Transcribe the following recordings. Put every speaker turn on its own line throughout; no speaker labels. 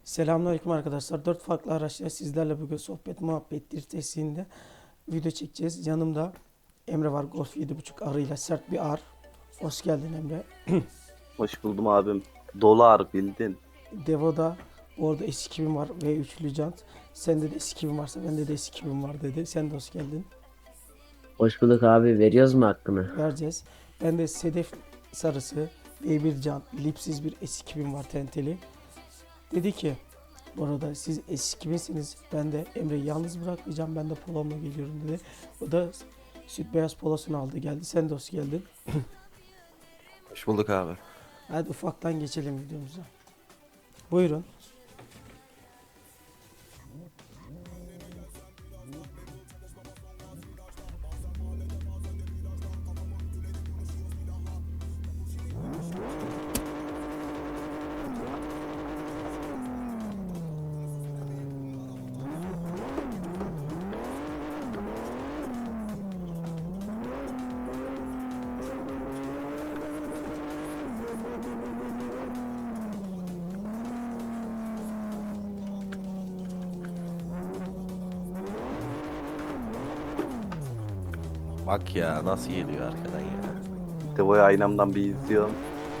Selamünaleyküm arkadaşlar. 4 farklı araçla sizlerle bugün sohbet muhabbet dirtesiğinde video çekeceğiz. Yanımda Emre var. Golf 7.5 arıyla sert bir ar. Hoş geldin Emre.
Hoş buldum abim. Dolar bildin.
Devo'da orada S2000 var ve üçlü jant. Sende de S2000 varsa bende de S2000 var dedi. Sen de hoş geldin.
Hoş bulduk abi. Veriyoruz mu hakkını?
Vereceğiz. Bende sedef sarısı V1 jant lipsiz bir S2000 var tenteli. Dedi ki bu arada siz S2000'siniz. Ben de Emre'yi yalnız bırakmayacağım. Ben de polomla geliyorum dedi. O da süt beyaz polosunu aldı geldi. Sen de hoş geldin.
Hoş bulduk abi.
Hadi ufaktan geçelim videomuza. Buyurun.
Bak ya nasıl geliyor arkadan ya.
Devo'yu aynamdan bir izliyorum.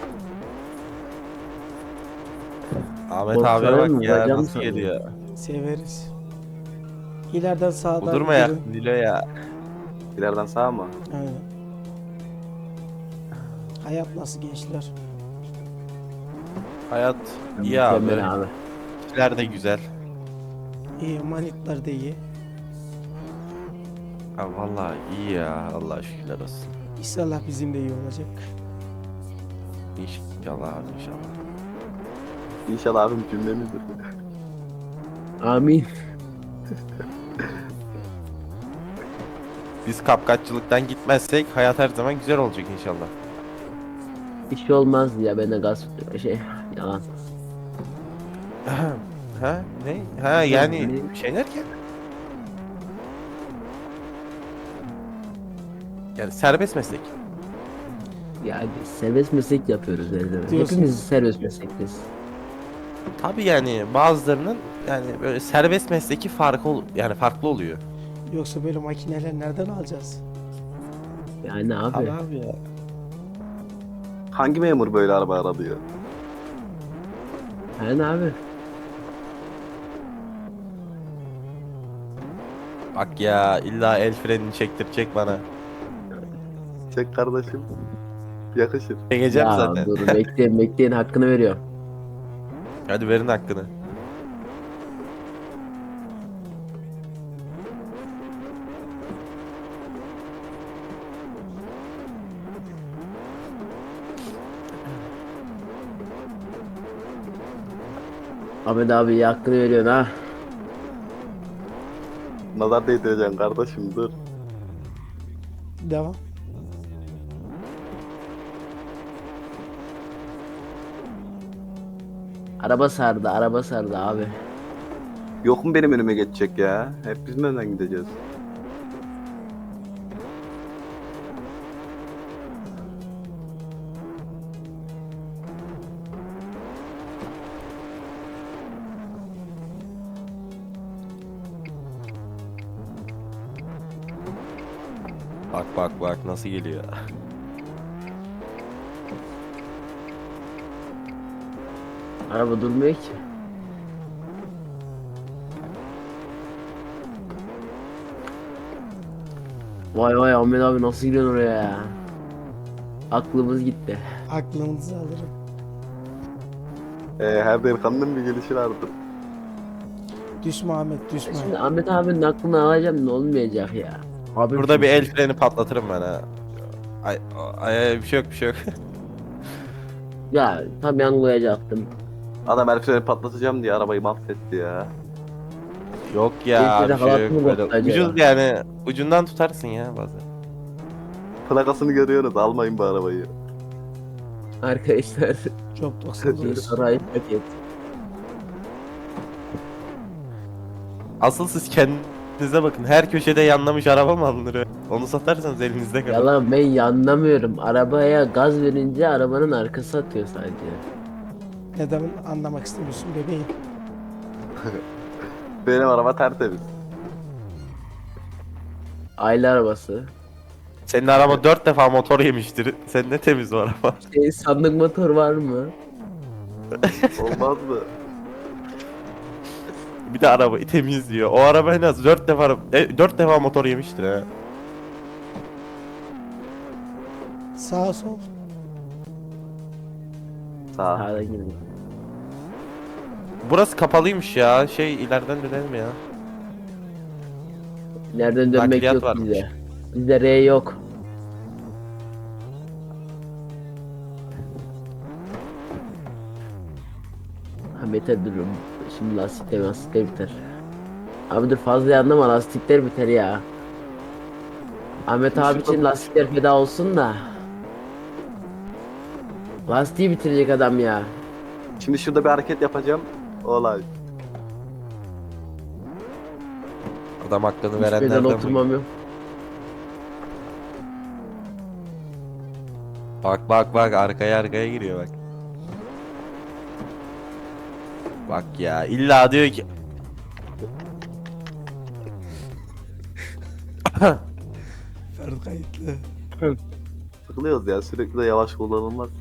Ahmet
Korksana
abiye bak
mı?
ya
Bacağını
nasıl
sallıyor.
geliyor.
Severiz. İleriden sağdan
Budurma ya
girin.
Nilo ya.
İleriden sağa mı?
Aynen. Hayat nasıl gençler?
Hayat iyi abi.
Mükemmel abi.
İşler de güzel.
İyi, manitler de iyi.
Abi vallahi iyi ya. Allah şükürler olsun.
İnşallah bizim de iyi olacak.
İnşallah abi inşallah.
İnşallah abim cümlemizdir.
Amin.
Biz kapkaççılıktan gitmezsek hayat her zaman güzel olacak inşallah.
Hiç şey olmaz ya. Ben de gaz yalan.
Ha ne? Ha yani şey derken? Yani serbest meslek.
Ya biz serbest meslek yapıyoruz her zaman.
Diyorsun.
Hepimiz serbest meslekteyiz.
Tabii yani bazılarının yani böyle serbest mesleki yani farklı oluyor.
Yoksa böyle makineler nereden alacağız?
Yani abi.
Abi ya.
Hangi memur böyle araba aralıyor?
Yani abi.
Bak ya illa el frenini çektirecek bana.
Çek kardeşim. Yakışır.
Çekeceğim
Ya
zaten.
dur bekleyin hakkını veriyor.
Hadi verin hakkını.
Ahmet abi hakkını veriyorsun ha.
Nazar değdireceksin kardeşim dur.
Devam.
Araba sardı abi.
Yok mu benim önüme geçecek ya? Hep biz mi önden gideceğiz?
Bak nasıl geliyor.
Araba durmuyor ki. Vay Ahmet abi nasıl gidiyorsun oraya ya? Aklımız gitti.
Aklınızı alırım.
Her delikanlının bir gelişi vardır.
Düşme Ahmet düşme.
Şimdi Ahmet abinin aklını alacağım ne olmayacak ya. Abi
Burada bir el freni patlatırım ben ha. Ay bir şey yok bir şey yok.
Ya tam yanlayacaktım.
Adam el freni patlatacağım diye arabayı mahvetti ya.
Yok ya
Elfreni
bir şey yok
halatını
böyle.
bozdu acaba.
Ucuz yani ucundan tutarsın ya bazen.
Plakasını görüyorsunuz almayın bu arabayı.
Arkadaşlar
Çok 99.
saray paket.
Asıl siz kendinize bakın. Her köşede yanlamış araba mı alınır? Onu satarsanız elinizde kalır.
Yalan ben anlamıyorum. Arabaya gaz verince arabanın arkası atıyor sadece.
Neden anlamak istemiyorsun bebeğim?
Benim araba tertemiz.
Aile arabası.
Senin araba 4 defa motor yemiştir. Sen ne temiz o araba.
Sandık motor var mı?
Olmaz mı?
Bir de arabayı temizliyor. O araba en az 4 defa motor yemiştir ha.
Sağ sol.
Sağ.
Sağdan girdim.
Burası kapalıymış ya. İleriden dönelim ya.
Nereden dönmek
Nakliyat
yok
varmış.
bize. Bizde R yok. Ha beter durum. Şimdi lastikler biter. Abi dur fazla yanlama, lastikler biter ya. Ahmet abi için lastikler feda olsun da. Lastiği bitirecek adam ya.
Şimdi şurada bir hareket yapacağım. Olay.
Adam hakkını
Hiç pedal
verenlerden bu.
oturmam yok.
Bak arkaya giriyor bak. Bak ya illa diyor ki
Ferdi kayıtlı.
Sıkılıyoruz ya, sürekli de yavaş kullanılmaz.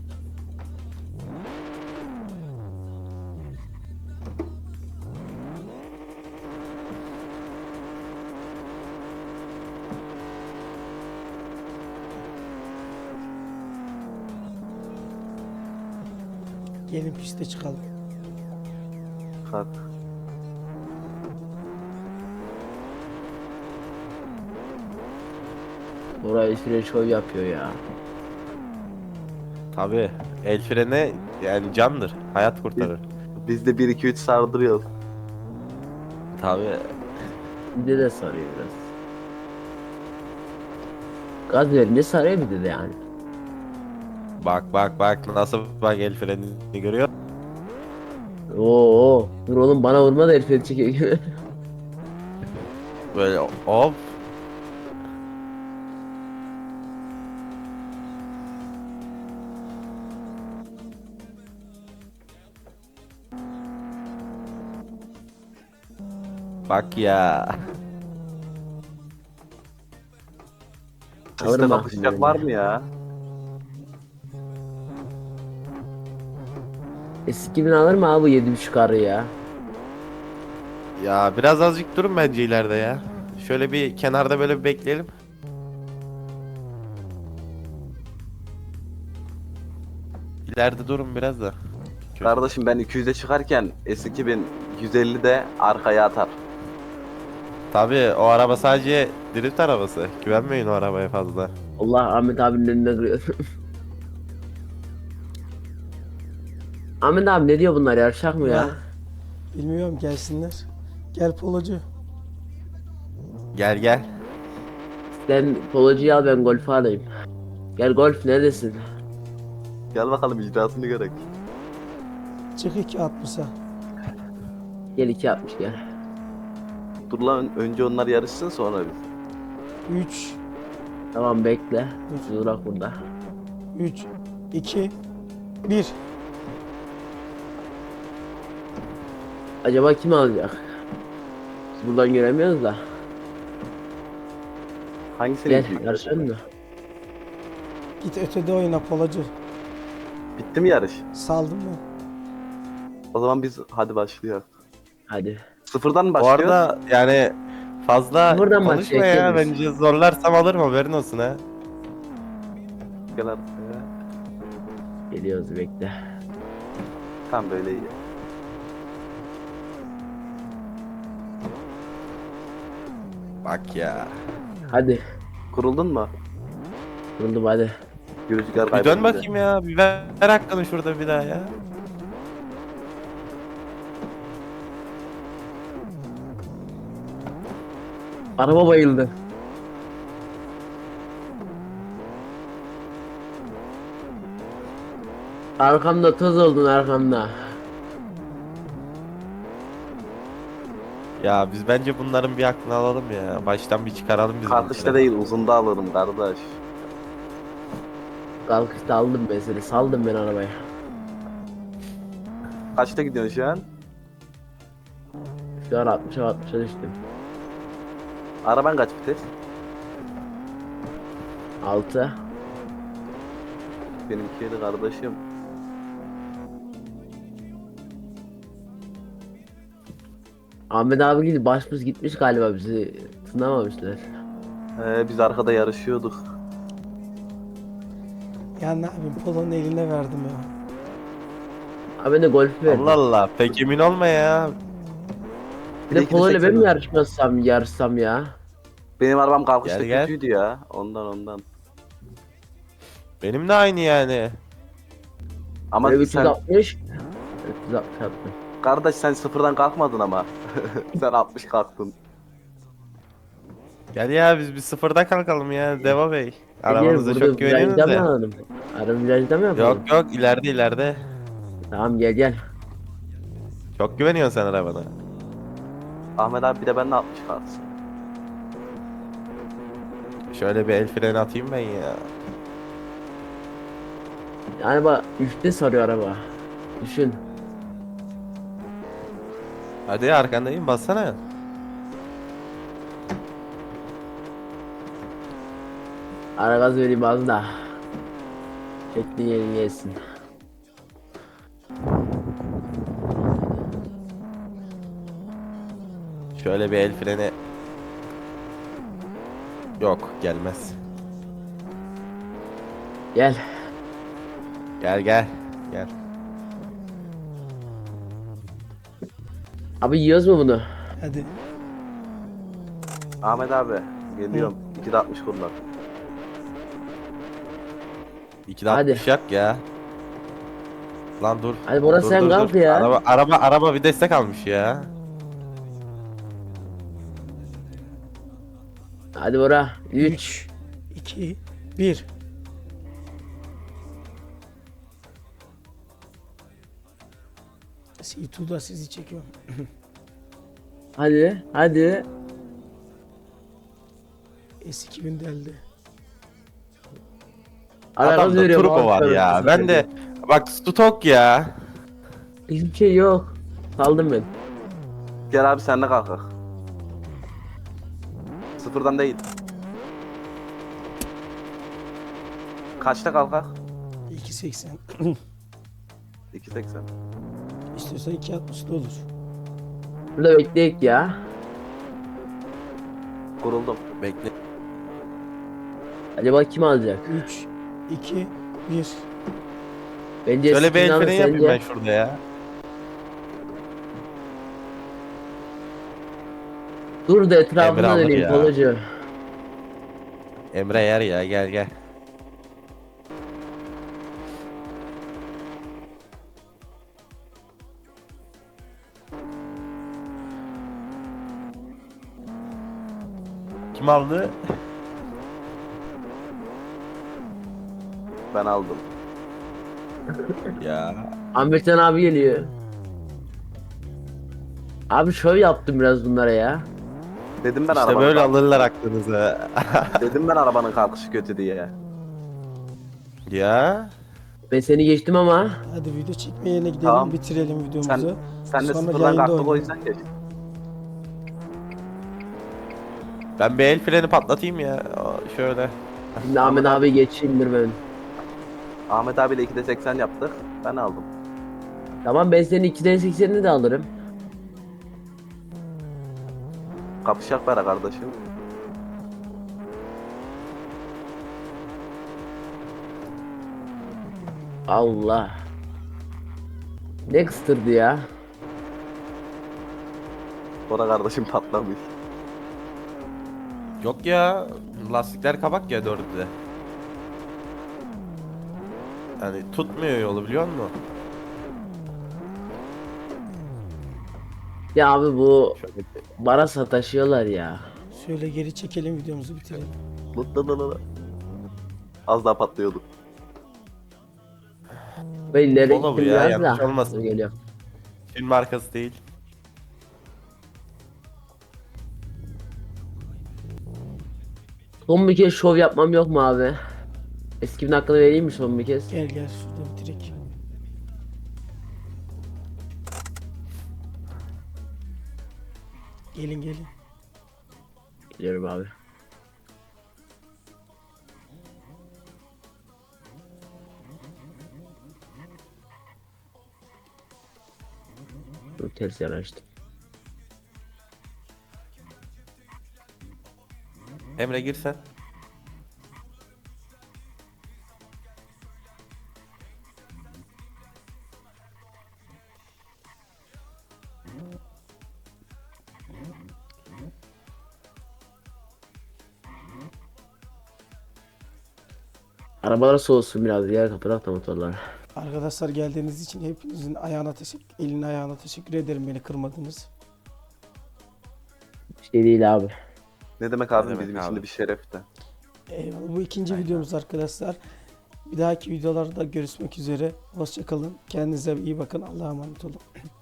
Gelin piste çıkalım.
Kalk.
Oraya süre şov yapıyor ya.
tabi el freni yani candır. Hayat kurtarır.
Biz de 1-2-3 sardırıyoruz.
Tabi.
Bizde de sarıyor biraz. Gaz verince sarıyor bir de yani.
Bak nasıl bak el frenini görüyor.
Oo, dur oğlum bana vurma da herif çekiyor.
Böyle hop. Bak ya.
Piste
Alırım
kapışacak
aklımdan
var
ya.
mı ya?
Eski bin alır mı abi bu 7.5 karı ya?
Ya biraz azıcık durun bence ileride ya. Şöyle bir kenarda böyle bir bekleyelim. İleride durun biraz da.
Kardeşim ben 200'e çıkarken S2000 150'de arkaya atar.
Tabii o araba sadece drift arabası. Güvenmeyin o arabaya fazla.
Allah Ahmet abinin önüne kırıyor. Ahmet abi ne diyor bunlar, yarışak mı ya?
Bilmiyorum, gelsinler. Gel polocu.
Gel.
Sen polocuyu al, ben golfü alayım. Gel golf, neredesin?
Gel bakalım icrasını görek.
Çık 2.60'a.
Gel 2.60 gel.
Dur lan, önce onlar yarışsın sonra biz.
3,
Tamam bekle. Durak burada.
3, 2, 1.
Acaba kim alacak? Biz buradan göremiyoruz da.
Hangisini
Gel
büyük?
yarışalım mı?
Git ötede oyna polocu.
Bitti mi yarış?
Saldım mı?
O zaman biz hadi başlıyor.
Hadi.
Sıfırdan mı
Bu
başlıyor?
arada yani fazla
Buradan
konuşma
başlayalım,
ya.
geliriz.
Bence zorlarsam alırım, haberin olsun ha.
Gel arkaya.
Geliyoruz bekle.
Tam böyle iyi.
Bak ya.
Hadi.
Kuruldun mu?
Buldum hadi.
Rüzgar
Bir
kaybedince.
dön bakayım ya. Bir ver hakkını şurada bir daha ya.
Araba bayıldı. Arkamda toz oldun, arkamda.
Ya biz bence bunların bir aklını alalım ya. Baştan bir çıkaralım biz
Kalkışta
bunları.
değil, uzunda alırım kardeş.
Kalkışta aldım ben seni, saldım ben arabaya.
Kaçta gidiyorsun şu an?
Şu an 60'a düştüm.
Araban kaç vites?
6.
Benimki 7 kardeşim.
Ahmet abi gibi başımız gitmiş galiba, bizi tınlamamışlar.
Biz arkada yarışıyorduk.
Ya ne yapayım, Polo'nun eline verdim ya.
Abi ben de golf verdim.
Allah Allah, pek emin olma ya.
Bir de
İkide
Polo ile ben mi
80.
yarışsam ya?
Benim arabam kalkışta
Gel, gel.
kötüydü ya. Ondan.
Benim de aynı yani.
Ama
Böyle
sen
360. 360 yaptım.
kardeş sen sıfırdan kalkmadın ama. Sen 60 kalktın.
Gel ya, biz bir sıfırda kalkalım ya Deva Bey.
Gel,
Arabanıza
burada
çok güveniyorsunuz
virajda mı
ya.
alalım? Araba virajda mı yapalım?
Yok yok, ileride.
Tamam, gel.
Çok güveniyorsun sen arabana.
Ahmet abi bir de benimle 60 kalksın.
Şöyle bir el freni atayım ben ya.
Yani bak 3'te sarıyor araba. Düşün.
Hadi arkandayım, bassana.
Ara gaz vereyim az da. Çektiğin yerin gelsin.
Şöyle bir el freni. Yok, gelmez.
Gel.
Gel.
Abi yiyoruz mu bunu?
Hadi.
Ahmet abi geliyorum. 2'de 60 kullan.
2'de
Hadi.
60 yap ya. Lan dur.
Hadi Bora,
Dur,
sen
dur,
kalk
dur.
ya.
Araba bir destek almış ya.
Hadi Bora. 3.
3, 2, 1. C2'da sizi çekiyorum.
Hadi.
S2000 deldi.
Ara gaz
Adamda
veriyorum.
turbo var ya. Ben de bak, stok ya.
Hiçbir şey yok. Saldım ben.
Gel abi sen de kalkak. Sıfırdan değil. Kaçta kalkak?
2.80.
2.80.
İstiyorsan 2.60 da olur.
Burada bekleyek ya.
Kuruldum.
Bekle.
Acaba kim alacak?
3, 2, 1.
Bence
Şöyle bir el
Sinan
freni yapayım
sence-
ben şurada ya.
Dur da
Emre
etrafına
alır
döneyim
ya.
Polocu.
Emre yer ya, gel. Kim aldı?
Ben aldım.
Ya.
Ahmetcan abi geliyor. Abi şov yaptım biraz bunlara ya.
Dedim ben
İşte
arabanın
böyle
kalk-
alırlar aklınıza.
Dedim ben arabanın kalkışı kötü diye.
Ya.
Ben seni geçtim ama.
Hadi video çekmeye yine gidelim,
Tamam.
bitirelim videomuzu.
Sen de
Sonra
sıfırdan
yayında
kalktık o
oynayalım.
yüzden geç.
Ben bir el freni patlatayım ya. Şöyle.
Şimdi Ahmet abi geçeyimdir ben.
Ahmet abiyle 2'de 80 yaptık. Ben aldım.
Tamam, ben senin 2'den 80'ini de alırım.
Kapışak para kardeşim.
Allah. Ne kıstırdı ya.
O da kardeşim patlamış.
Yok ya. Lastikler kabak ya, dördü de. Yani tutmuyor yolu, biliyor musun?
Ya abi bu
Şöyle
bana sataşıyorlar ya.
Şöyle geri çekelim, videomuzu bitirelim.
Lıt. Az daha patlıyorduk.
Ben ileri
Polo bu
gittim
ya,
biraz
yanlış
da.
olmasın.
Dur, geliyorum.
film markası değil.
Son bir kez şov yapmam yok mu abi? Eskimin hakkını vereyim mi son bir kez?
Gel şurada bitirek. Gelin gelin.
Geliyorum abi. Dur, ters yanaştım.
Emre gir sen.
Arabalar soğusun biraz ya, kapatak da motorlar.
Arkadaşlar geldiğiniz için hepinizin eline ayağına teşekkür ederim, beni kırmadınız.
Bir şey değil abi.
Ne demek abi,
Ne demek
bizim için
abi?
de bir şerefti.
Eyvallah. Bu ikinci videomuz arkadaşlar. Bir dahaki videolarda görüşmek üzere. Hoşça kalın. Kendinize iyi bakın. Allah'a emanet olun.